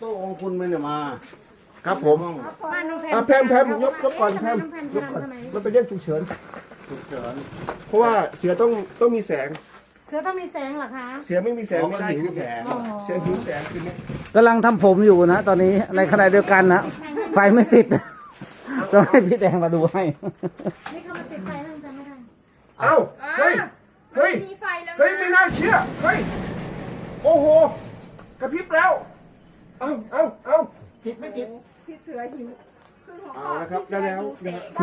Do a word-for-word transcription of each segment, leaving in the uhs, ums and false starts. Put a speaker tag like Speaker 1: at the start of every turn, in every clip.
Speaker 1: โต๊ะของคุณไม่ได้มา
Speaker 2: ครับผม
Speaker 3: บ้านน้องแพม
Speaker 2: อ่ะแพมแพมยกยกก่อนแพมยกก่อนมันเป็นเรื่องฉุกเฉิน
Speaker 1: ฉุกเฉิน
Speaker 2: เพราะว่าเสือต้องต้องมีแสง
Speaker 3: เสือต้องมีแสงเหรอคะ
Speaker 2: เสือไม่มีแสง
Speaker 1: เขา
Speaker 2: ไม่
Speaker 1: ก็
Speaker 2: ได้
Speaker 1: หิวแสง
Speaker 2: เสือหิวแสงคืนนี้
Speaker 4: กำลังทำผมอยู่นะตอนนี้ในขณะเดียวกันนะไฟไม่ติดต้องให้พี่แดงมาดูให้
Speaker 3: นี่เขามาติดไฟแล้วจำไม่ได้
Speaker 2: เอ้าเฮ้ยเฮ้ย
Speaker 5: มีไฟแล้ว
Speaker 2: เฮ้ยไม่น่าเชื่อเฮ้ยโอ้โหกระพริบแล้วเอ้าเอ้าเอ้าติดไม่ติด
Speaker 5: พี่เสือหิวคือหัว
Speaker 2: เอาละครับได้แล้วนะฮะ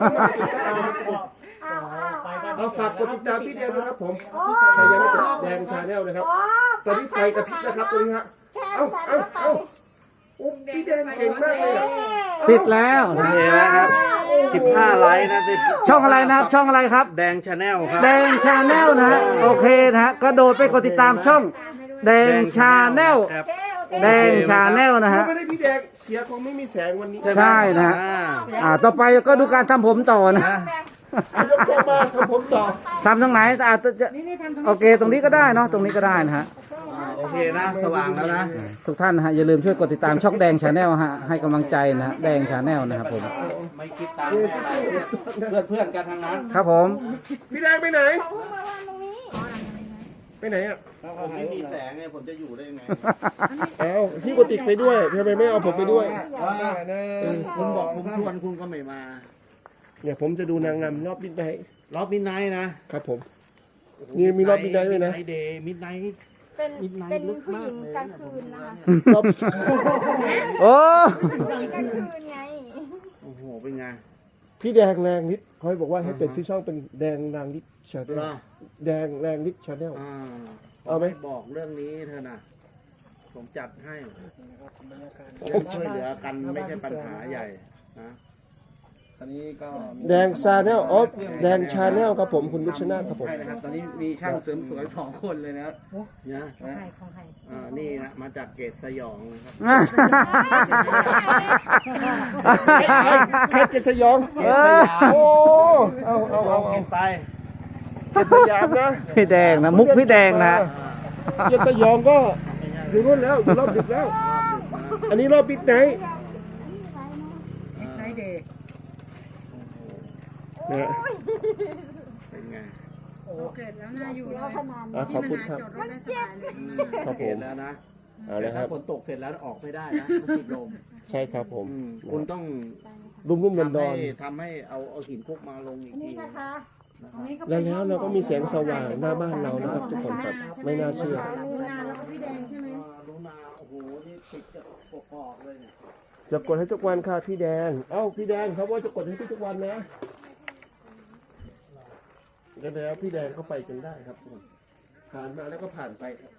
Speaker 3: อ้าวอ้าวอ้าว
Speaker 2: เอาฝากกดติดตามพี่แดงด้วยครับผมใครยังไม่กดแดงชาแนลนะครับ
Speaker 3: อ๋อ
Speaker 2: ตอนนี้ไฟกระพริบนะครับตัวนี้ฮะ
Speaker 3: แค่
Speaker 2: เอ้า
Speaker 3: สั่น
Speaker 2: เอ้า
Speaker 3: ก็ไป
Speaker 2: เอ้าโอ้พี่แดงเก่งมากเลยอะ
Speaker 4: ติดแล้ว
Speaker 1: โอ
Speaker 4: นะ
Speaker 1: เคแล้วครับสิบห้าไลค์นะสิบ
Speaker 4: ช่องอะไรนะครับช่องอะไรครับ
Speaker 1: แดงชาแนลครับ
Speaker 4: แดงชาแนลนะฮะโอเคนะฮะกระโดดไปกดติดตามช่อง แดงชาแนล
Speaker 1: ครับ
Speaker 3: โอเคโอเค
Speaker 4: แดงชาแนลนะ
Speaker 2: ถ้า
Speaker 4: ฮะ
Speaker 2: ไม่ได้พี่แดงเสียคงไม่มีแสงวันนี้
Speaker 4: ใช่นะฮะ
Speaker 1: อ่า
Speaker 4: อ่าต่อไปก็ดูการทำผมต่อนะ
Speaker 2: เอายกตัวมาทำผมต่อ
Speaker 4: ทำตรงไหนอาจจะ
Speaker 3: นี่นี่ทำตรง
Speaker 4: โอเค ตรงนี้ก็ได้เนาะตรงนี้ก็ได้นะฮะ
Speaker 1: อ่าโอเคนะสว่างแล้วนะ
Speaker 4: ทุกท่านนะฮะอย่าลืมช่วยกดติดตามช่องแดงชาแนลฮะให้กำลังใจนะฮะแดงชาแนลนะครับผม
Speaker 1: ไม่คิดตังค์ไม่อะไรเพื่อนเพื่อนกันทั้งนั้น
Speaker 4: ครับผม
Speaker 2: พี่แดงไปไหน
Speaker 5: เขาเพิ่งมาวางตรงนี้
Speaker 2: ไปไหนอ่ะ
Speaker 1: ผมไม่มีแสงไงผมจะอยู่ได้ยังไง
Speaker 2: เอ้าพี่กติกไปด้วยทำไมไม่เอาผมไปด้วย
Speaker 1: ว่าคุณบอกผมชวนคุณก็ไม่มา
Speaker 2: เนี่ยผมจะดูนางงามรอบมิดไนท์
Speaker 1: รอบมิดไนท์นะ
Speaker 2: ครับผม นี่มีรอบมิดไนท์ด้วยนะ
Speaker 1: มิดไนท์เดย์มิดไนท์
Speaker 5: เป็น
Speaker 1: มิดไนท์
Speaker 5: เป็น
Speaker 1: ลึก
Speaker 5: ผู้
Speaker 1: มา
Speaker 5: ห
Speaker 1: ก
Speaker 5: ญิง
Speaker 1: เลย
Speaker 5: กลางคืนนะคะ
Speaker 2: รอบ
Speaker 4: โอ้
Speaker 5: ผู้หญิงกลางคืนไง
Speaker 1: โอ้โหเป็นไง
Speaker 2: พี่แดงแรงนิดเขาบอกว่าให้เป็นชื่อช่องเป็นแดงนางนิดชาแน
Speaker 1: เหร
Speaker 2: ล
Speaker 1: อ
Speaker 2: แดงแรงนิดชาแนล
Speaker 1: อ่า
Speaker 2: เอาไหม
Speaker 1: บอกเรื่องนี้เธอนะผมจัดให้เรื่องช่วยเหลือกันไม่ใช่ปัญหาใหญ่นะตอนนี้ก็
Speaker 2: แดงชาแนลอ๋อแดงชาแนลครับผมคุณนุชนาธครับผม
Speaker 1: ใช่นะครับตอนนี้มีช่างเสริมสวยสองคนเลยนะนะ
Speaker 3: ของใครของใคร
Speaker 1: อ่านี่นะมาจากเกตสยองนะครับ
Speaker 2: แค่เจ็ดสยอง
Speaker 4: เออ
Speaker 2: โอ้เอาเอาเอาเอา
Speaker 1: ไป
Speaker 2: เจ็ดสยามนะ
Speaker 4: พี่แดงนะมุกพี่แดงนะ
Speaker 2: เจ็ดสยองก็อยู่รุ่นแล้วอยู่รอบดึกแล้ว อันนี้รอบบิ๊กไนท์
Speaker 3: ไนเดย์
Speaker 2: นะฮะ
Speaker 1: เป็นไง
Speaker 3: โอ้เกิดแล้วน่าอยู่เลย
Speaker 2: อ่ะขอบคุณครับ
Speaker 3: จอดรถได้สบายเลย
Speaker 2: ครับผ
Speaker 1: เห็น
Speaker 2: ม
Speaker 1: แล้วนะ
Speaker 2: เอาละค
Speaker 1: ถ้า
Speaker 2: รับ
Speaker 1: ฝนตกเสร็จแล้วออกไม่ได้นะติดลม
Speaker 2: ใช่ครับผม
Speaker 1: อืมคุณต้อง
Speaker 2: รุ่มรุ่มดอน
Speaker 1: ทำ
Speaker 2: ดอ
Speaker 1: ให้
Speaker 2: น
Speaker 1: ทำให้เอาเอาหินพวกมาลงอีกที
Speaker 3: นี่นะคะตรงนี้ก็
Speaker 2: แล้วแล้วเราก็มีแสงสว่างหน้าบ้านเรานะครับทุกคนครับไม่น่าเชื่อ
Speaker 3: ลูนาแล้วก็พี่แดงใช่ไหม
Speaker 1: ลูนาโอ้โหนี่ติดกับปอกๆเลยเนี่ย
Speaker 2: จะกดให้ทุกวันค่ะพี่แดง เอ้าพี่แดงเขาว่าจะกดให้พี่ทุกวันนะแล้วแล้วพี่แดงเขาไปจนได้ครับผ่านมาแล้วก็ผ่านไปครับ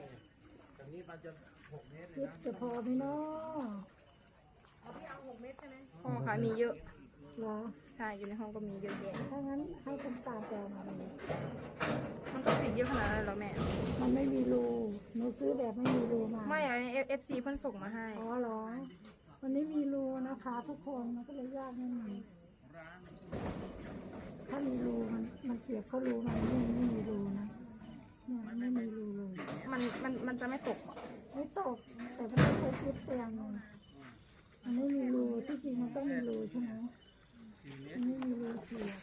Speaker 3: จะพอไหมเนาะ
Speaker 5: พอค่ะมีเยอะ
Speaker 3: เหรอ
Speaker 5: ใช่อยู่ในห้องก็มีเยอะแยะ
Speaker 3: ถ้างั้นให้คนตาแดงมาเลย
Speaker 5: มันก็ติดเยอะขนาดนั้นเหรอแม่
Speaker 3: มันไม่มีรูหนูซื้อแบบไม่มีรูมา
Speaker 5: ไม่อะเอฟซีเพิ่นส่งมาให้
Speaker 3: อ๋อเหรอมันไม่มีรูนะคะ ทุกคนมันก็เลยยากนิดหน่อยถ้ามีรูมันมันเสียบเข้ารูมันไม่ไม่มีรูนะเนี่ยมันไม่มีรูเลย
Speaker 5: มันมันมันจะไม่ตกเหรอ
Speaker 3: ไม่ตกแต่มันไม่เคยคิดเตียงเลยมันไม่มีรูที่จริงมันต้องมีรูใช่ไหมมันไม่มีรูเสียบ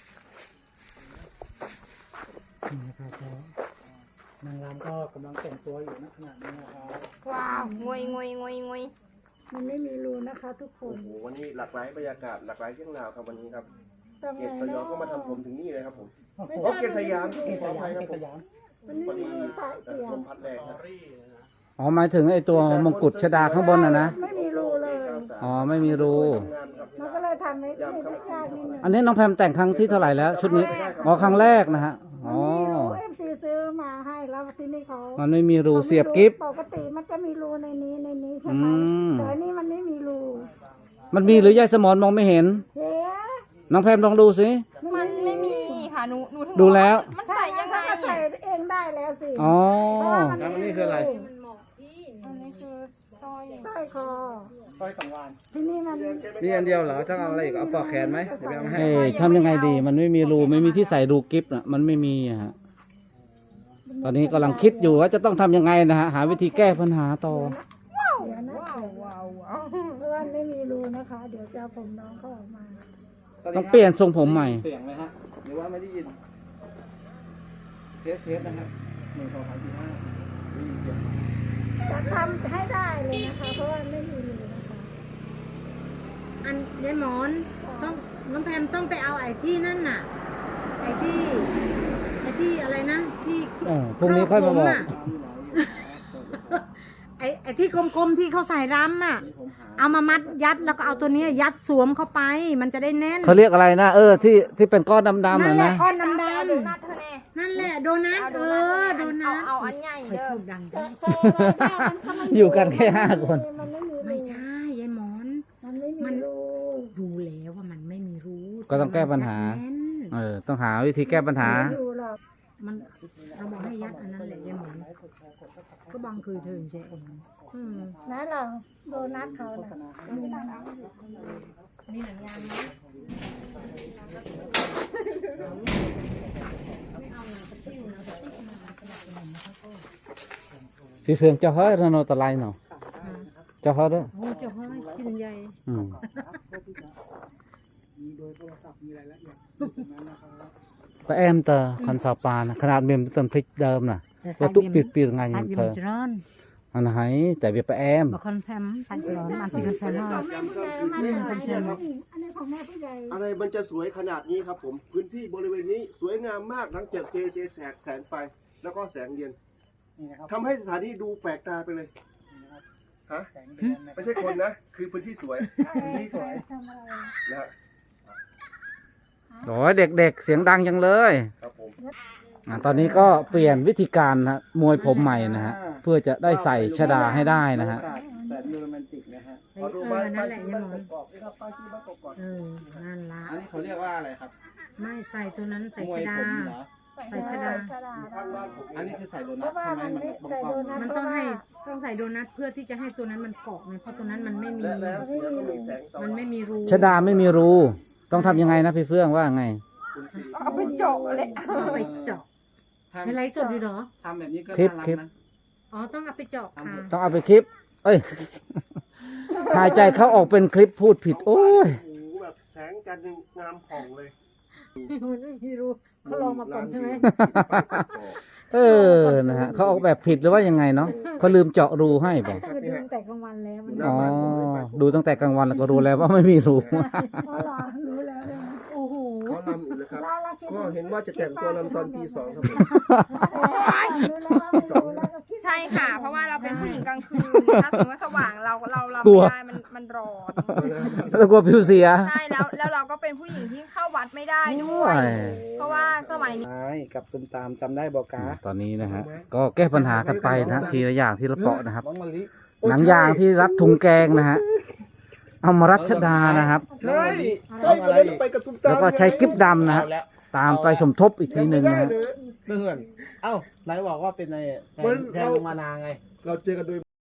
Speaker 4: นางรำก็กำลังแต่งตัวอยู่นะขณะนี้นะครับ
Speaker 5: ว้าวงวยงวยงวยงวย
Speaker 3: มันไม่มีรูนะคะทุกคน
Speaker 2: โอ้โหวันนี้หลากหลายบรรยากาศหลากหลายเรื่องราวครับวันนี้ครับ
Speaker 3: ตรงไห
Speaker 2: เก
Speaker 3: น
Speaker 2: ตสยอง
Speaker 3: เนาะ
Speaker 2: ก็มาทำผมถึงนี่เลยครับผม
Speaker 3: ไม่
Speaker 2: โอ้
Speaker 3: ใช่
Speaker 2: เกตสยามเกตสยามครับผม
Speaker 3: มันไม่มีสายเสีย
Speaker 2: ล
Speaker 3: ง
Speaker 2: มพัดแรงครับ
Speaker 4: อ๋อหมายถึงไอ้ตัวมงกุฎชดาข้างบนน่ะนะ
Speaker 3: ไม่มีรูเลย
Speaker 4: อ๋อไม่มีรู
Speaker 3: มันก็เลยทำให้ให้ยากนิดนึง
Speaker 4: อันนี้น้องแพมแต่งครั้งที่เท่าไหร่แล้ว ชุดนี้อ๋อครั้งแรกนะฮะอ๋อ
Speaker 3: มีรูเอฟซีซื้อมาให้แล้วที่นี่เขา
Speaker 4: มันไม่มีรูเสียบกิ๊บ
Speaker 3: ปกติมันจะมีรูในนี้ในนี้ใช่
Speaker 4: อื
Speaker 3: ไหม
Speaker 4: ม
Speaker 3: แต่อันนี้มันไม่มีรู
Speaker 4: มันมีหรือยายสมอนมองไม่เห็น
Speaker 3: เฮ้
Speaker 4: น้องแพมลองดูสิ
Speaker 5: มันไม่มีค่ะหนูหนูถึง
Speaker 4: ดูแล้ว
Speaker 5: มัน
Speaker 3: ใส่
Speaker 5: ใส่
Speaker 3: ยั
Speaker 5: ยัง ง
Speaker 3: ไง
Speaker 5: ไง
Speaker 3: ก็ใส่เองได้แล้วสิ
Speaker 4: อ๋อ
Speaker 3: เพราะว่ามัน
Speaker 1: แล้วนี่คืออะไร
Speaker 5: อันนี้คือสร้อย
Speaker 3: สร้อยคอ
Speaker 4: สร้อยสังวาน
Speaker 3: ที่นี่มัน
Speaker 1: มีอันเดียวเหรอต้องเอาอะไรอีกเอาปลอกแขนไหมเดี๋ยวไปเอามาให้
Speaker 4: เอ้ยทำยังไงดี มันไม่มีรูไม่มีที่ใส่รูกิฟต์อ่ะมันไม่มีอะฮะตอนนี้กำลังคิดอยู่ว่าจะต้องทำยังไงนะฮะหาวิธีแก้ปัญหาต่อ
Speaker 3: ว้าวเดี๋ยวนะ
Speaker 5: ว้าวว้าวว้าว
Speaker 3: เพราะว่าไม่มีรูนะคะ เดี๋ยวจะเอาผมน้องเขาออกมา
Speaker 4: ต้องเปลี่ยนทรงผมใหม่
Speaker 1: เสียงไหมฮะหรือว่าไม่ได้ยินเทสเทสนะครับหนึ่งสองสามสี่ห้าได้ยินเสียง
Speaker 3: จะทำให้ได้เลยนะคะ เพราะว่าไม่มีรูนะคะ
Speaker 6: อันยายหมอนต้องน้องแพมต้องไปเอาไอ้ที่นั่นน่ะ ไอ้ที่ไอ้ที่อะไรนะที่
Speaker 4: เออพรุ่งนี้ค่อยมาบอก
Speaker 6: รบผมะไอ้ไอ้ที่กลมๆที่เขาใส่รำน่ะ เอามามัดยัดแล้วก็เอาตัวเนี้ยยัดสวมเข้าไป มันจะได้แน่น
Speaker 4: เขาเรียกอะไรนะเออที่ที่เป็นก้อนดำๆ
Speaker 6: นั่
Speaker 4: น่ะ
Speaker 6: นแหละ
Speaker 4: นะ
Speaker 6: ก้อนด
Speaker 5: เอาโด
Speaker 6: ำ
Speaker 5: นัทเธอแน่
Speaker 6: ๆนั่นแหละโดนัท
Speaker 5: เอา
Speaker 6: เอ
Speaker 5: โดนัท
Speaker 6: อ
Speaker 5: เอา
Speaker 6: โด
Speaker 5: อัน
Speaker 6: นั
Speaker 5: เอา
Speaker 6: ท
Speaker 5: เอาอันใหญ่
Speaker 6: ค่อย
Speaker 5: เด้อ
Speaker 6: พูดดัง
Speaker 3: แต่
Speaker 6: ได้
Speaker 3: แต่อะไรได้มันก็ไม่มี
Speaker 4: อยู่กันแค่ห้าคน
Speaker 3: มันไม่มีรู
Speaker 6: ไม่ใช่ยายหมอน
Speaker 3: มันไม่มีรู
Speaker 6: รู้แล้วว่ามันไม่มีรู้
Speaker 4: ก็ต้องแก้ปัญหา
Speaker 6: แน่น
Speaker 4: เออต้องหาวิธีแก้ปัญหา
Speaker 3: ไม่รูหรอก
Speaker 6: มันเราบอกให้ยัดอันนั้นแหละยายหมอนก็บังคือเธอใช่ไหมอืม
Speaker 3: นะเราโดนัทเขาน่ะมีหนัง
Speaker 6: มีหนังยางไหม
Speaker 4: พี่เฟืองเจ้าเฮ้ยระโนตะไลเนาะเจ้าเฮ้ยด้วย
Speaker 6: โอ้เจ้าเฮ้ยกินใหญ่
Speaker 4: อืมไปแอมเตอร์คันสาวปานนะขนาดเมียมต้นพริกเดิมน่ะว่าตุกปีดปีดไง
Speaker 6: ใส่
Speaker 4: เธ
Speaker 6: เบีย
Speaker 4: อ
Speaker 6: ร์จรอน
Speaker 4: อันไหนแต่เบียไปแอม
Speaker 6: บอกคอนแพมใส่จรอนมันสิคอนแพมเนาะ
Speaker 3: แม่ผู้ใหญ่เอามาจากไหนเนี่ยอันนี้ของแม่ผู้ใหญ่
Speaker 2: อะไรมันจะสวยขนาดนี้ครับผม พื้นที่บริเวณนี้สวยงามมากทั้งเจ็ดเจเจแสงแสงไฟ แล้วก็แสงเย็นทำให้สถานที่ดูแปลกตาไปเลยฮะไม่ใช่คนนะ คือพื้นที่สวยพื้นที่สวย
Speaker 3: ทำอะไร
Speaker 2: นะฮะ
Speaker 4: โอ้ยเด็กๆเสียงดังจังเลย
Speaker 2: ครับผม
Speaker 4: อ่ะตอนนี้ก็เปลี่ยนวิธีการนะมวยผมใหม่นะฮะเพื่อจะได้ใส่ชดาให้ได้นะฮะ
Speaker 1: แสนโรแมนติกนะฮะ
Speaker 6: เออนั่นแหละยายหมอน
Speaker 2: กรอบนะครับป้ายที่บ้านกรอบ
Speaker 6: เออนั่นละ
Speaker 1: อันนี้เขาเรียกว่าอะไรครับ
Speaker 6: ไม่ใส่ตัวนั้นใส่
Speaker 1: มว
Speaker 6: ช
Speaker 1: ย
Speaker 6: ดา
Speaker 1: ผมเหรอ
Speaker 6: ใส่ชดา
Speaker 2: ข้างบ้านผม
Speaker 1: อันนี้คือใส่โด
Speaker 3: เพ
Speaker 1: นัท
Speaker 3: ราะว่า
Speaker 1: ใช่ไหม
Speaker 3: มัน
Speaker 1: มัน
Speaker 3: ไม่
Speaker 1: ต้อง
Speaker 3: ใส่
Speaker 1: ต้อง
Speaker 3: โดนัทเพราะว่า
Speaker 6: มันต้องให้ต้องใส่โดนัทเพื่อที่จะให้ตัวนั้นมันเกาะไงเพราะตัวนั้นมันไม่มี
Speaker 2: และแล้วเสียงก็มีแสงส
Speaker 6: มัน
Speaker 2: ว่าง
Speaker 6: ไม่มีรู
Speaker 4: ชดาไม่มีรู ต้องทำยังไงนะพี่เฟื่องว่าไง
Speaker 2: คุณสิริ
Speaker 5: เอาไปจกเลย
Speaker 6: เอาไปเจาะ
Speaker 1: ทำ
Speaker 6: ในไลฟ์สดอยู่เหรอ
Speaker 1: ทำแบบนี้ก็
Speaker 4: คลิป
Speaker 1: น่ารัก
Speaker 4: คลิป
Speaker 1: นะ
Speaker 6: อ๋อต้องเอาไปเจาะค่ะ
Speaker 4: ต้องเอาไปคลิป เอ้ย หายใจเข้าออกเป็นคลิปพูดผิด โอ้ย
Speaker 2: โอ้โหแบบแสงจันทร์งามผ่องเลย
Speaker 3: มันไม่มีรูเขาลองมาก่อนใช่ไหม
Speaker 4: เออ นะฮะเขาออกแบบผิดหรือว่ายังไงเนาะเขาลืมเจาะรูให้บอก
Speaker 3: คือดูตั้งแต่กลางวันแล้วมัน
Speaker 4: อ๋อ ดูตั้งแต่กลางวันแล้วก็รู้แล้วว่าไม่มีรู
Speaker 3: อ๋อเหรอรู้แล้วเลยนะ
Speaker 6: โอ้โห
Speaker 2: เขาลำอยู่เลยครับ
Speaker 3: แล้วเราคิด
Speaker 2: ก็เห็นว่าจะแต่งตัวลำตอนตีสองครับผม
Speaker 3: รู้แล้วว่าไม่รู้แล้วก็คิด
Speaker 5: ใช่ค่ะ เพราะว่าเราเป็นผู้หญิงกลางคืน ถ้าสมมติว่าสว่างเราเราเรา
Speaker 4: กลัว
Speaker 5: ไม่ได้มันมันร้อน
Speaker 4: แล้วกลัวผิวเสีย
Speaker 5: ใช่แล้วแล้วเราก็เป็นผู้หญิงที่เข้าวัดไม่ได้ด้วย
Speaker 4: โอ้ย
Speaker 5: เพราะว่าสมัยนี้
Speaker 1: ใช่กับตุมตามจำได้บอกกา
Speaker 4: ตอนนี้นะฮะ ก็แก้ปัญหากันไปนะฮะทีละอย่างทีละเปาะนะครับ
Speaker 1: น้องมะลิ
Speaker 4: หนังยางที่รัดถุงแกงนะฮะ เอามารัดชดานะครับ
Speaker 2: ใช่ใช่วันนั้นไปกับตุ้มตาม
Speaker 4: แล้วก็ใช้กิ๊บดำนะฮะ ตามไปสมทบอีกทีหนึ่งนะฮะ
Speaker 1: เพื่อนเอ้าไหนบอกว่าเป็นไงแฟนแฟนลงมานาไง
Speaker 2: เราเจอกันโดย